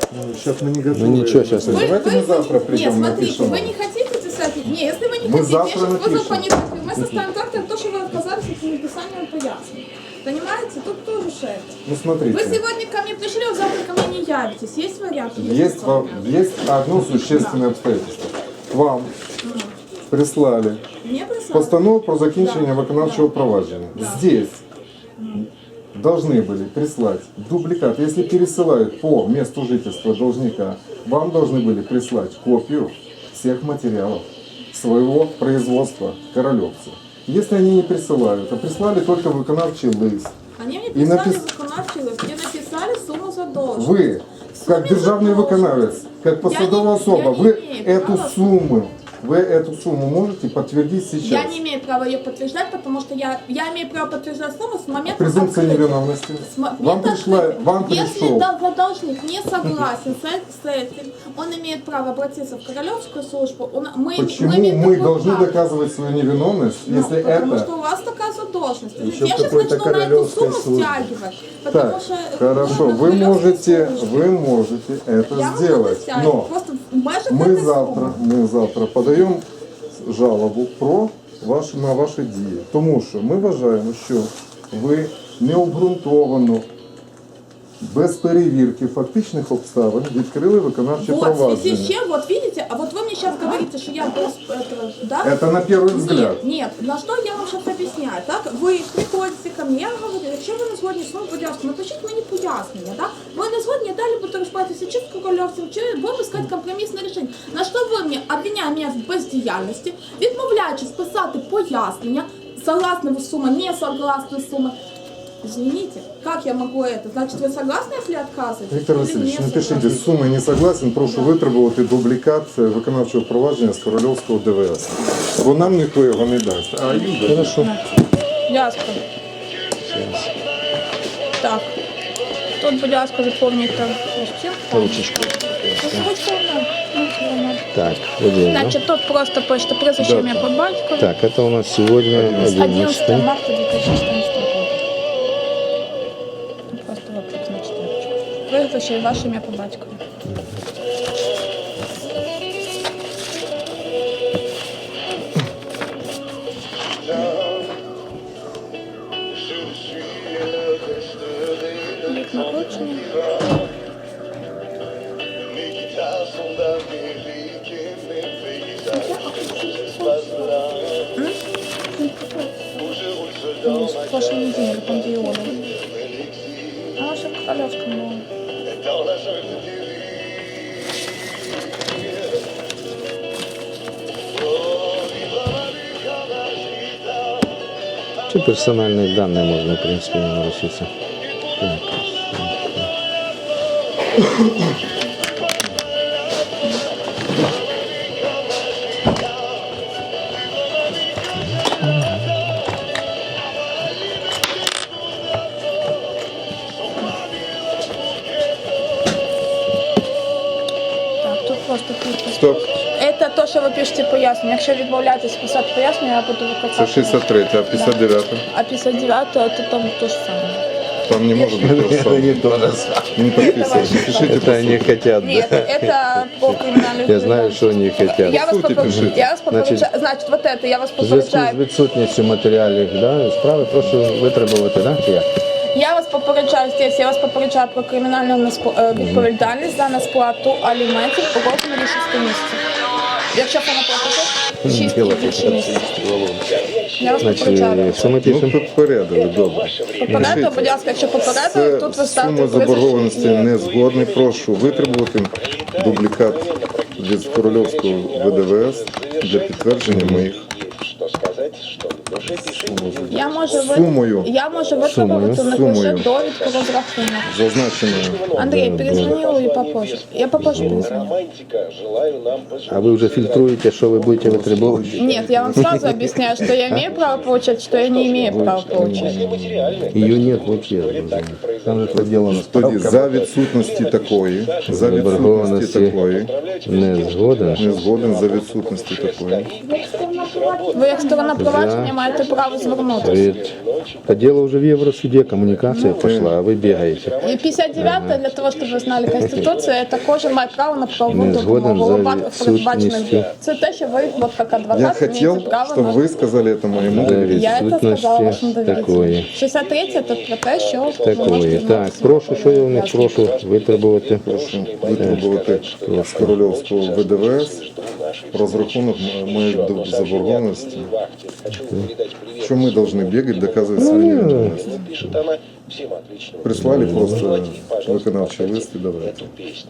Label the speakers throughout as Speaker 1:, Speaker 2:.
Speaker 1: Сейчас мы не готовы.
Speaker 2: Ну ничего, сейчас не.
Speaker 1: Давайте мы завтра придем,
Speaker 3: Нет, смотрите,
Speaker 1: напишем.
Speaker 3: вы не хотите писать? Нет, если вы не
Speaker 1: Мы
Speaker 3: хотите,
Speaker 1: завтра
Speaker 3: я сейчас
Speaker 1: напишем.
Speaker 3: вызову понятых. Мы составим завтра то, что вы отказались от написания пояснений. Понимаете? Тут тоже шесть.
Speaker 1: Ну
Speaker 3: Вы
Speaker 1: смотрите,
Speaker 3: сегодня ко мне пришли, а завтра ко мне не явитесь. Есть вариант?
Speaker 1: есть одно существенное обстоятельство. Вам прислали
Speaker 3: Мне прислали?
Speaker 1: постанову про закінчення виконавчого провадження. Здесь должны были прислать дубликат. Если пересылают по месту жительства должника, вам должны были прислать копию всех материалов своего производства королевца. Если они не присылают, а прислали только виконавчий лист,
Speaker 3: Они мне
Speaker 1: И
Speaker 3: прислали
Speaker 1: напис-
Speaker 3: виконавчий лист, где написали сумму задолженности.
Speaker 1: вы, как державный виконавец, как посадовая особа,
Speaker 3: я не
Speaker 1: вы
Speaker 3: имею права.
Speaker 1: эту сумму можете подтвердить
Speaker 3: Я
Speaker 1: сейчас.
Speaker 3: не имею права ее подтверждать, потому что я имею право подтверждать сумму с момента
Speaker 1: Презумпция
Speaker 3: открытия.
Speaker 1: невиновности. Вам
Speaker 3: Момента
Speaker 1: пришел.
Speaker 3: открытия. Если должник не согласен с этим, он имеет право обратиться в Королевскую службу.
Speaker 1: Почему
Speaker 3: имеем
Speaker 1: мы
Speaker 3: такое
Speaker 1: должны
Speaker 3: право.
Speaker 1: доказывать свою невиновность,
Speaker 3: Ну,
Speaker 1: если
Speaker 3: потому
Speaker 1: это...
Speaker 3: что у вас такая задолженность.
Speaker 2: Еще
Speaker 3: Я сейчас
Speaker 2: какой-то
Speaker 3: начну на эту
Speaker 2: королевской
Speaker 3: сумму
Speaker 2: службе.
Speaker 3: стягивать. Потому
Speaker 1: Так,
Speaker 3: что
Speaker 1: хорошо,
Speaker 3: на
Speaker 1: вы
Speaker 3: Королевскую службу.
Speaker 1: можете это
Speaker 3: Я могу
Speaker 1: сделать,
Speaker 3: стягивать.
Speaker 1: но
Speaker 3: Просто в межах
Speaker 1: мы
Speaker 3: этой
Speaker 1: завтра подаємо жалобу на ваші дії. Тому що ми вважаємо, що ви необґрунтовано, без перевірки фактичних обставин відкрили виконавче
Speaker 3: Вот, в связи с
Speaker 1: провадження.
Speaker 3: чем, вот видите, а вот вы мне сейчас говорите, что я без этого, да?
Speaker 1: Это на первый взгляд.
Speaker 3: Нет, на что я вам сейчас объясняю, так? Вы приходите ко мне, я вам говорю, якщо ви не згодні з моїм поясненням, напишіть мені пояснення, так? Ви не згодні, далі будете розбиратися чи з корольовцем, чи будемо искати компромісне рішення. На що ви мені, обвиняєте мене в бездіяльності, відмовляючись писати пояснення, согласны вы с суммой, не согласны с суммой. Извините, как я могу это? Значит, вы согласны, если отказываете?
Speaker 1: Віктор
Speaker 3: Или
Speaker 1: Васильович,
Speaker 3: не
Speaker 1: напишіть,
Speaker 3: согласны?
Speaker 1: з суми не согласен, прошу витребувати дублікат виконавчого провадження з Корольовського ДВС. Бо нам ніхто його не дасть. А Юда,
Speaker 2: Хорошо.
Speaker 3: Ясно. Так. Тут, будь ласка, заповніть там листів.
Speaker 2: Ручечку.
Speaker 3: Ручку, да.
Speaker 2: Так, вот здесь, да?
Speaker 3: Значит, тут просто почта прізвище ім'я по батькові.
Speaker 2: Так, это у нас сегодня
Speaker 3: 11
Speaker 2: 11.
Speaker 3: марта 2014 года. Просто вопрос на четверочку. Прізвище і ваше ім'я по батькові. Вік народження. В прошлой неделе, там где Иона. А вообще в Королевском было.
Speaker 2: Все персональные данные можно, в принципе, не нарушиться. Так.
Speaker 3: Так, тут просто підпис.
Speaker 1: Стоп.
Speaker 3: Это то, що ви пишете пояснення. Якщо відмовляєтесь писати пояснення, я буду викликати.
Speaker 1: це 63, а 59
Speaker 3: А 59 это там то же самое.
Speaker 1: там не може бути
Speaker 2: Это
Speaker 1: розсадки.
Speaker 2: не то же самое.
Speaker 1: Не подписывайте, пишите.
Speaker 2: Это они хотят,
Speaker 3: Нет,
Speaker 2: да?
Speaker 3: это по криминальному.
Speaker 2: Я знаю, что они хотят.
Speaker 3: Я вас
Speaker 1: Сути пишіть.
Speaker 3: я вас попереджаю.
Speaker 2: Значить,
Speaker 3: Значить, вот это, я вас
Speaker 2: В зв'язку з
Speaker 3: попереджаю.
Speaker 2: відсутністю матеріалів справи прошу витребувати, так? Чи як?
Speaker 3: Я вас попереджаю здесь, я вас попереджаю про кримінальну відповідальність за несплату аліментів у розмірі 6 місяців. Якщо вона платить 6 і більше місяців. Я вас попереджаю.
Speaker 2: Значить, що ми
Speaker 1: Ну,
Speaker 2: пишемо?
Speaker 1: попередили, добре.
Speaker 3: Попередили, будь ласка, якщо попередили,
Speaker 1: Це
Speaker 3: тут ви ставите
Speaker 1: сума заборгованості
Speaker 3: прізвище.
Speaker 1: не згодний. Прошу витребувати дублікат від Корольовського ВДВС для підтвердження моїх
Speaker 3: Я можу
Speaker 1: Сумою.
Speaker 3: витребувати,
Speaker 1: Сумою.
Speaker 3: напише довідку розрахунок.
Speaker 1: зазначеною.
Speaker 3: Андрій, перезвоню і попозже. Я попозже перезвоню.
Speaker 2: А ви вже фільтруєте, що ви будете витребувати?
Speaker 3: Нет, я вам сразу объясняю, что я имею право получать, что я не имею права получать.
Speaker 2: Її нет вообще. Там же поділено
Speaker 1: Тоді
Speaker 2: справка.
Speaker 1: за відсутності такої,
Speaker 2: Заборгованості не згоден.
Speaker 1: не згоден за відсутності такої.
Speaker 3: Ви як сторона провадження маєте маєте право звернутися.
Speaker 2: Ведь по делу уже в Евросуде коммуникация пошла, а вы бегаете.
Speaker 3: І 59 для того, щоб ви знали, Конституція, це кожен має право на правову
Speaker 2: Не згоден
Speaker 3: допомогу.
Speaker 2: за
Speaker 3: У випадках передбачених
Speaker 2: відсутністю.
Speaker 3: це те, що ви, от як
Speaker 1: Я
Speaker 3: адвокат,
Speaker 1: хотел,
Speaker 3: маєте право
Speaker 1: чтобы
Speaker 3: на...
Speaker 1: вы сказали это моему доверителю.
Speaker 3: Я це сказала вашому
Speaker 2: Такое.
Speaker 3: довірителю. 63 це про те, що ви
Speaker 2: Такое.
Speaker 3: можете
Speaker 2: Так,
Speaker 3: звернутися.
Speaker 2: прошу, що я у них прошу витребувати.
Speaker 1: Прошу витребувати з Корольовського ВДВС розрахунок моєї заборгованості. Що ми повинні бігати, доказувати свою невиновність. Прислали просто виконавчий лист і давайте.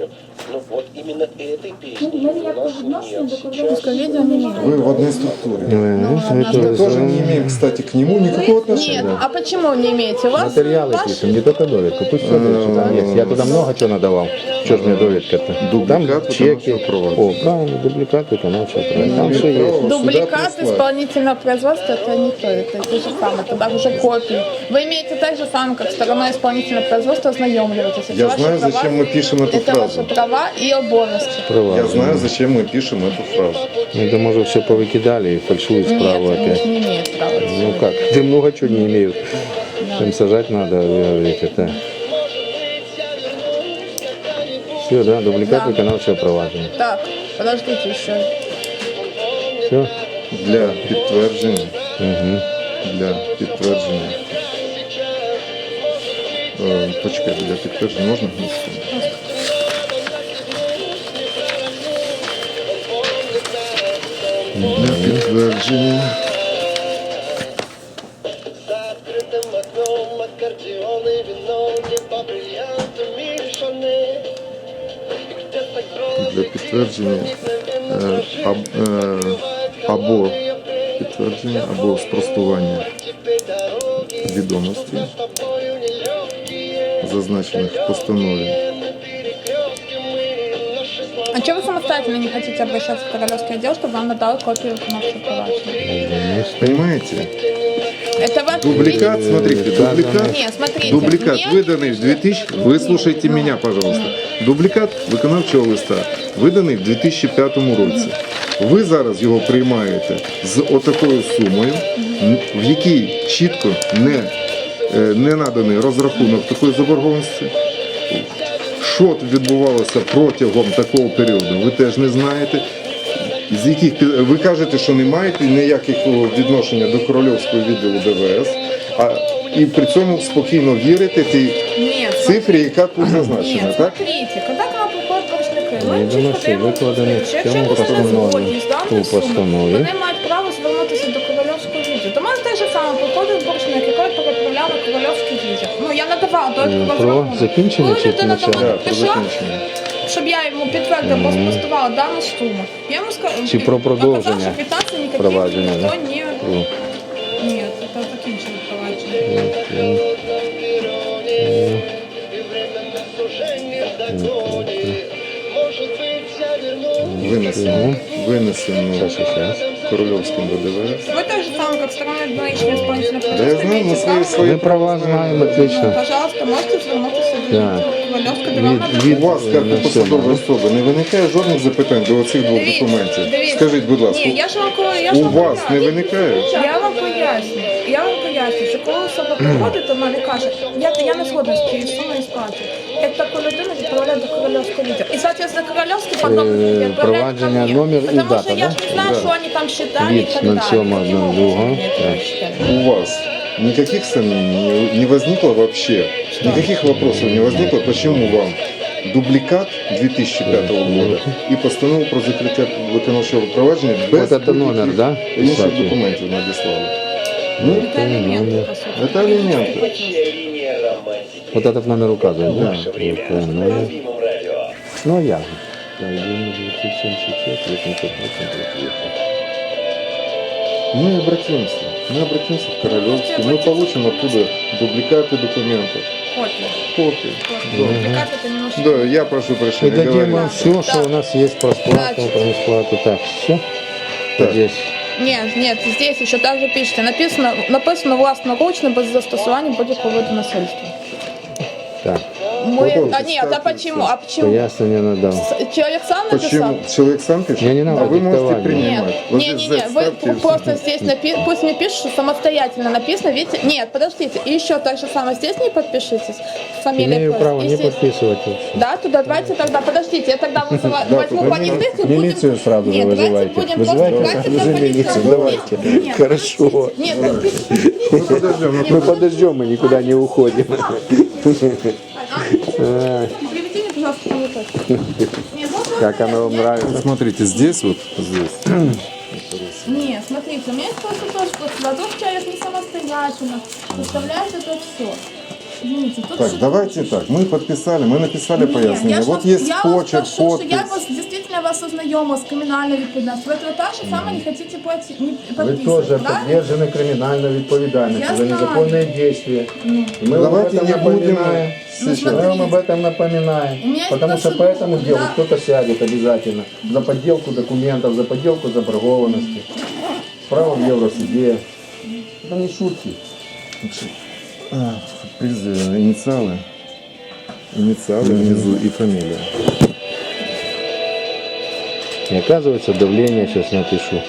Speaker 3: Відео не має.
Speaker 1: Вы в одной структуре.
Speaker 2: Мы
Speaker 1: Мы тоже не имеем, кстати, к нему никакого
Speaker 3: Нет,
Speaker 1: отношения.
Speaker 3: а почему не имеете? У вас
Speaker 2: Материалы
Speaker 3: ваш-
Speaker 2: пишем, не только довідку. Пусть все там есть. Я туда много чего надавал. Что ж мне довідка-то?
Speaker 1: Дубликат
Speaker 2: Там чеки.
Speaker 1: виконавчого права.
Speaker 2: О, правильно, дубликат виконавчого права. Там все есть.
Speaker 3: Дубликат
Speaker 1: Сюда прислать.
Speaker 3: исполнительного производства это не то, это то же самое, это уже копии. Вы имеете так же самое, как сторона исполнительного производства ознакомливаться.
Speaker 1: Я знаю, зачем мы пишем эту
Speaker 3: Это
Speaker 1: фразу.
Speaker 3: ваши права и обовязки.
Speaker 2: Права.
Speaker 1: Я знаю, зачем мы пишем эту фразу.
Speaker 2: Это, может, все повыкидали и фальшуют справа
Speaker 3: Нет,
Speaker 2: опять.
Speaker 3: не имеет права.
Speaker 2: Ну как, ты много чего не имеют. Им сажать надо, вы говорите, это. Все, да, дубликат
Speaker 3: Да.
Speaker 2: виконавчого провадження.
Speaker 3: Так, подождите еще.
Speaker 2: Все?
Speaker 1: Для підтвердження.
Speaker 2: Угу.
Speaker 1: Для підтвердження. Почекайте, для підтвердження можна? Для підтвердження.
Speaker 4: Закрытым окном аккордеон и вино, небо бриллиантами решены. И где-то голос
Speaker 1: Для підтвердження або підтвердження, або спростування відомостей, зазначених в постанові.
Speaker 3: А чего вы самостоятельно не хотите обращаться в Королевский отдел, чтобы вам надал копию виконавчего проваджения?
Speaker 1: Понимаете?
Speaker 3: Это вас...
Speaker 1: Дубликат, смотрите, дубликат.
Speaker 3: Нет, смотрите.
Speaker 1: Дубликат
Speaker 3: мне-
Speaker 1: виданий в 2000... Выслушайте меня, пожалуйста. Дубликат виконавчого листа виданий в 2005 році. Ви зараз його приймаєте з отакою сумою, в якій чітко не наданий розрахунок такої заборгованості. Що відбувалося протягом такого періоду, ви теж не знаєте. З яких ви кажете, що не маєте ніякого відношення до Корольовського відділу ДВС, і при цьому спокійно вірите тій
Speaker 3: Нет,
Speaker 1: цифрі, яка тут зазначена,
Speaker 3: Нет,
Speaker 1: так?
Speaker 3: смотрите, когда к нам приходять боржники, ми
Speaker 2: Відомості
Speaker 3: чітко даємо
Speaker 2: викладені в
Speaker 3: відповідь.
Speaker 2: цьому
Speaker 3: Якщо вони
Speaker 2: постанові.
Speaker 3: згодні з
Speaker 2: У
Speaker 3: даною сумою,
Speaker 2: постанові.
Speaker 3: вони мають право звернутися до Корольовського відділу. До мене теж саме приходить боржник, який переправляв на Корольовський відділ. Ну, я надавала довідку
Speaker 2: Про
Speaker 3: розрахунок.
Speaker 2: закінчення
Speaker 3: Коли
Speaker 2: чи
Speaker 3: людина до
Speaker 2: початку?
Speaker 3: мене
Speaker 1: Так, про
Speaker 3: прийшла,
Speaker 1: закінчення.
Speaker 3: щоб я йому підтвердила або спростувала дану суму, я йому сказала,
Speaker 2: Чи про продовження
Speaker 3: оказав, що квитанції ніяких
Speaker 2: провадження,
Speaker 3: ніхто
Speaker 2: да?
Speaker 3: не...
Speaker 2: О.
Speaker 3: Ні, це закінчили провадження.
Speaker 1: Винесено Корольовським ВДВС.
Speaker 3: Вы так же самое, как сторона одноличного исполнительного
Speaker 1: Да я знаю, мы свои
Speaker 2: Ми права знаємо отлично.
Speaker 3: Пожалуйста, можете звернутися до
Speaker 2: Так.
Speaker 3: Ковальовська, де вам
Speaker 2: Від-
Speaker 1: У вас, як у
Speaker 2: на
Speaker 1: посадової
Speaker 2: цьому.
Speaker 1: особи, не виникає жодних запитань до оцих двох
Speaker 3: Дивіться,
Speaker 1: документів?
Speaker 3: дивіться.
Speaker 1: Скажіть, будь ласка,
Speaker 3: Ні, я ж вам кажу, я ж
Speaker 1: у
Speaker 3: вам
Speaker 1: вас не
Speaker 3: поясню.
Speaker 1: виникає?
Speaker 3: Я вам поясню. Я вам поясню, що коли особа приходить, то вона не каже, я не згодна з цією сумою сплати. Як таку людину відправляють до Корольовського відділу. І, соответственно, Корольовський потім відправляє ко
Speaker 2: провадження,
Speaker 3: мне.
Speaker 2: номер і
Speaker 3: Потому
Speaker 2: дата,
Speaker 3: що я
Speaker 2: да?
Speaker 3: ж не знаю,
Speaker 1: Да.
Speaker 3: що вони там считали і
Speaker 2: Від
Speaker 3: так далі.
Speaker 2: 07.02.
Speaker 3: Ні,
Speaker 2: Так.
Speaker 3: не считали.
Speaker 1: У вас никаких сомнений не возникло вообще? Никаких вопросов не возникло, почему вам дубликат 2005 года и постанову про закриття виконавчого провадження без
Speaker 2: Вот это номер, да?
Speaker 1: інших
Speaker 2: Кстати.
Speaker 1: документів надіслали? Ну,
Speaker 3: Це елементи, по суті.
Speaker 1: це елементи.
Speaker 2: Вот этот номер указывает, да?
Speaker 1: Да.
Speaker 2: Вот, номер. Ну, я. Так, 976, 808.
Speaker 1: Мы обратимся в Королевский, мы получим оттуда дубликаты документов,
Speaker 3: Копію.
Speaker 1: копии.
Speaker 3: Дубликат это немножко...
Speaker 1: Да, я прошу
Speaker 2: И
Speaker 1: прощения,
Speaker 2: дадим
Speaker 1: говорю.
Speaker 2: вам все, что у нас есть про сплату, про несплату. Так, все.
Speaker 1: Так.
Speaker 2: Здесь.
Speaker 3: Нет, здесь еще также пишете. Написано власноручно без застосування будь-якого виду насильства.
Speaker 2: Так.
Speaker 3: Нет, а почему? А почему?
Speaker 2: Пояснение надал.
Speaker 3: Человек сам написал?
Speaker 1: Почему? Человек сам пишет?
Speaker 2: Мне не надо
Speaker 1: а вы можете
Speaker 2: диктовать.
Speaker 1: принимать.
Speaker 3: Нет,
Speaker 1: Вот здесь
Speaker 3: не,
Speaker 1: Z
Speaker 3: вы
Speaker 1: ставьте и всё.
Speaker 3: просто здесь пусть мне пишут, что самостоятельно написано, видите? Нет, подождите, и еще так же самое здесь не подпишитесь. Фамилия
Speaker 2: Имею
Speaker 3: просто.
Speaker 2: право
Speaker 3: И
Speaker 2: не
Speaker 3: здесь-
Speaker 2: подписывать вообще.
Speaker 3: Да, туда давайте тогда, подождите, я тогда возьму понятых и будем...
Speaker 2: Милицию сразу же
Speaker 3: Нет, давайте
Speaker 2: вызывайте.
Speaker 3: будем
Speaker 2: Вызывайте
Speaker 3: просто...
Speaker 2: сразу же
Speaker 3: давайте
Speaker 2: милицию,
Speaker 3: по
Speaker 2: давайте.
Speaker 3: Нет,
Speaker 2: Хорошо.
Speaker 3: Нет,
Speaker 1: Мы подождем.
Speaker 2: Мы подождем, мы никуда не уходим.
Speaker 3: приведите мне, пожалуйста, понятых. Нет, вот
Speaker 2: Как оно вам нравится?
Speaker 1: Смотрите, здесь вот, здесь.
Speaker 3: Нет, смотрите, у меня есть просто тоже, что вдруг человек не самостоятельно составляет это все. Извините, тут
Speaker 1: Так,
Speaker 3: что-то-
Speaker 1: давайте так. Мы подписали, мы написали
Speaker 3: Нет,
Speaker 1: пояснение.
Speaker 3: я ж
Speaker 1: Вот
Speaker 3: вас-
Speaker 1: есть
Speaker 3: я
Speaker 1: почерк,
Speaker 3: вас прошу,
Speaker 1: подпись.
Speaker 3: что я вас действительно вас ознайомила с криминальной відповідальністю. Ви так же саме не хотите
Speaker 2: Вы тоже
Speaker 3: правильно?
Speaker 2: подвержены криминальной ответственности
Speaker 3: Я
Speaker 2: за
Speaker 3: знаю.
Speaker 2: незаконные действия. И мы вам об
Speaker 1: Давайте
Speaker 2: этом
Speaker 1: не будем
Speaker 2: напоминаем.
Speaker 1: сейчас.
Speaker 2: Мы вам об этом напоминаем.
Speaker 3: У меня есть
Speaker 2: Потому что по
Speaker 3: процедура,
Speaker 2: этому делу
Speaker 3: да.
Speaker 2: кто-то сядет обязательно. За подделку документов, за подделку заборгованности. Право в Евросуде. Это не шутки.
Speaker 1: Инициалы. Инициалы внизу и фамилия.
Speaker 2: И оказывается, давление сейчас напишу.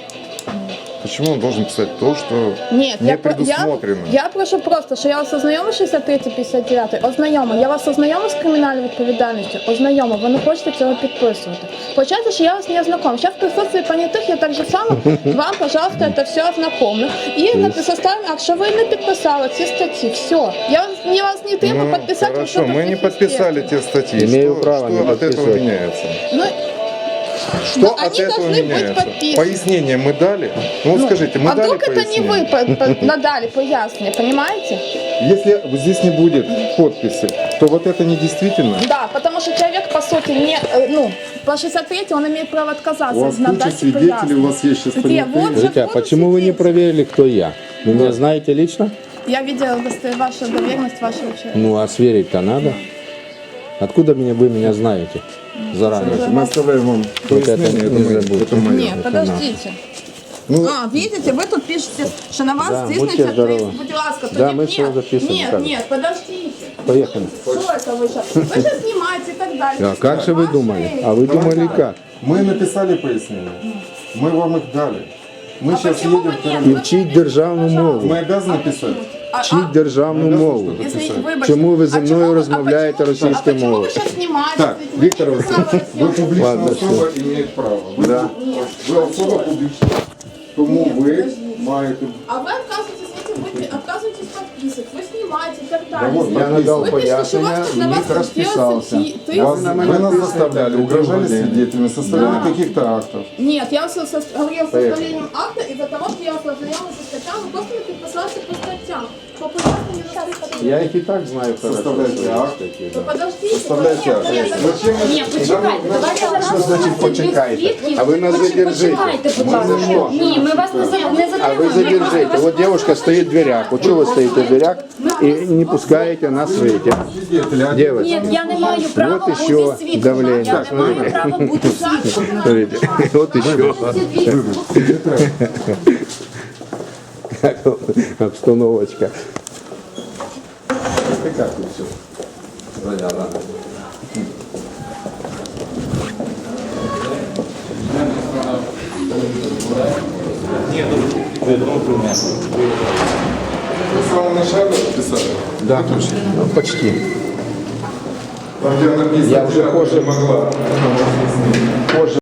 Speaker 1: Почему он должен писать то, что
Speaker 3: Нет,
Speaker 1: не предусмотрено?
Speaker 3: я прошу просто, що я вас ознайомила 63-59, ознайома. Я вас ознайомила з кримінальною відповідальністю, ознайома. Ви не хочете цього підписувати. Получается, що я вас не ознакомила. Сейчас в присутствии понятых я так же само вам, пожалуйста, это все ознакомлю. І составим акт, що ви не підписали ці статті. Все. Я вас не требую підписати.
Speaker 1: хорошо,
Speaker 3: что-то
Speaker 1: мы не подписали те статьи.
Speaker 2: Имею
Speaker 1: Что-
Speaker 2: право
Speaker 1: что
Speaker 2: не
Speaker 1: от этого
Speaker 2: подписывать.
Speaker 1: меняется?
Speaker 3: Ну,
Speaker 1: Что
Speaker 3: Ну,
Speaker 1: от
Speaker 3: они
Speaker 1: этого
Speaker 3: должны быть
Speaker 1: меняется?
Speaker 3: подписаны.
Speaker 1: Пояснение мы дали? Ну, вот скажите, мы
Speaker 3: а
Speaker 1: дали
Speaker 3: вдруг это не
Speaker 1: пояснение?
Speaker 3: вы надали пояснение, понимаете?
Speaker 1: Если здесь не будет подписи, то вот это не действительно?
Speaker 3: Да, потому что человек, по сути, по 63 он имеет право отказаться.
Speaker 1: У вас куча
Speaker 3: надать
Speaker 1: свидетелей,
Speaker 3: пояснение.
Speaker 1: у вас есть сейчас
Speaker 3: Где? Вот же
Speaker 2: Скажите, а
Speaker 3: фото
Speaker 2: почему вы не
Speaker 3: свидетелей.
Speaker 2: проверили, кто я? Вы меня знаете лично?
Speaker 3: Я видела вашу доверенность вашего человека.
Speaker 2: Ну, а сверить-то надо. Откуда вы меня знаете заранее?
Speaker 1: Мы оставляем вам
Speaker 2: Вот это
Speaker 1: пояснение,
Speaker 2: не
Speaker 1: это
Speaker 2: забудьте.
Speaker 1: мое.
Speaker 3: Нет, подождите.
Speaker 1: Ну,
Speaker 3: Видите, вы тут пишете, что на вас
Speaker 2: Да,
Speaker 3: здійснюється
Speaker 2: будьте здоровы.
Speaker 3: будь ласка,
Speaker 2: Да,
Speaker 3: тоді
Speaker 2: мы
Speaker 3: нет,
Speaker 2: всё записываем,
Speaker 3: Нет,
Speaker 2: так.
Speaker 3: нет, подождите.
Speaker 2: Поехали.
Speaker 3: Что это вы сейчас? Вы сейчас снимаете и так далее.
Speaker 2: А как же вы
Speaker 3: Ваши-
Speaker 2: думали? А вы думали как?
Speaker 1: мы написали пояснение, мы вам их дали. Мы
Speaker 3: А
Speaker 1: сейчас
Speaker 3: почему
Speaker 1: едем
Speaker 3: вы
Speaker 1: в
Speaker 3: нет?
Speaker 1: Кремль.
Speaker 2: І вчіть державну мову.
Speaker 1: Мы обязаны писать?
Speaker 2: Вчіть державну мову. Чому ви зі мною розмовляєте російською
Speaker 3: мовою?
Speaker 2: мовою?
Speaker 3: А почему вы сейчас снимаете?
Speaker 1: Так, Виктор Васильевич, вы публичная
Speaker 2: Ладно,
Speaker 1: особа, имеет право. Вы особа публичная. Тому ви маєте...
Speaker 3: А вы отказываетесь, видите, вы отказываетесь подписывать, вы снимаете и так
Speaker 1: Да
Speaker 3: далее.
Speaker 1: вот,
Speaker 2: Я надал
Speaker 3: Вы пишете, что у
Speaker 2: пояснення,
Speaker 3: вас
Speaker 2: в
Speaker 3: на вас
Speaker 2: них
Speaker 3: тут
Speaker 2: розписався.
Speaker 3: делается
Speaker 1: Вас, вы нас заставляли, угрожали свидетелями, составляли каких-то актов.
Speaker 3: Нет, я вас говорила с составлением акта из-за того, что я вас ознакомила со статьями, вы просто не подписался по статьям. По пояснению
Speaker 2: Я їх і так знаю хорошо.
Speaker 1: Составляйте акт.
Speaker 3: Ну подождите.
Speaker 1: Составляйте акт. Зачем вы...
Speaker 5: Ні, почекайте, давайте зараз.
Speaker 2: Що значить почекайте? А ви нас задержите.
Speaker 5: Почекайте, будь ласка. Ні, ми вас не затримуємо.
Speaker 2: А вы задержите. Вот девушка стоит в дверях. Вот что вы стоите в дверях и не пускаете нас выйти?
Speaker 1: Свидетели, а
Speaker 2: Девочка,
Speaker 5: Ні, я не маю права
Speaker 2: Вот
Speaker 5: бути
Speaker 2: еще
Speaker 5: свідком.
Speaker 2: давлення.
Speaker 5: Я не маю права бути свідком.
Speaker 2: смотрите, вот еще как обстановочка. Ты как тут все?
Speaker 1: вы с самого начала писали?
Speaker 2: Да, ну, почти.
Speaker 1: Там, где написано,
Speaker 2: Я уже
Speaker 1: «Я
Speaker 2: позже
Speaker 1: могла».
Speaker 2: позже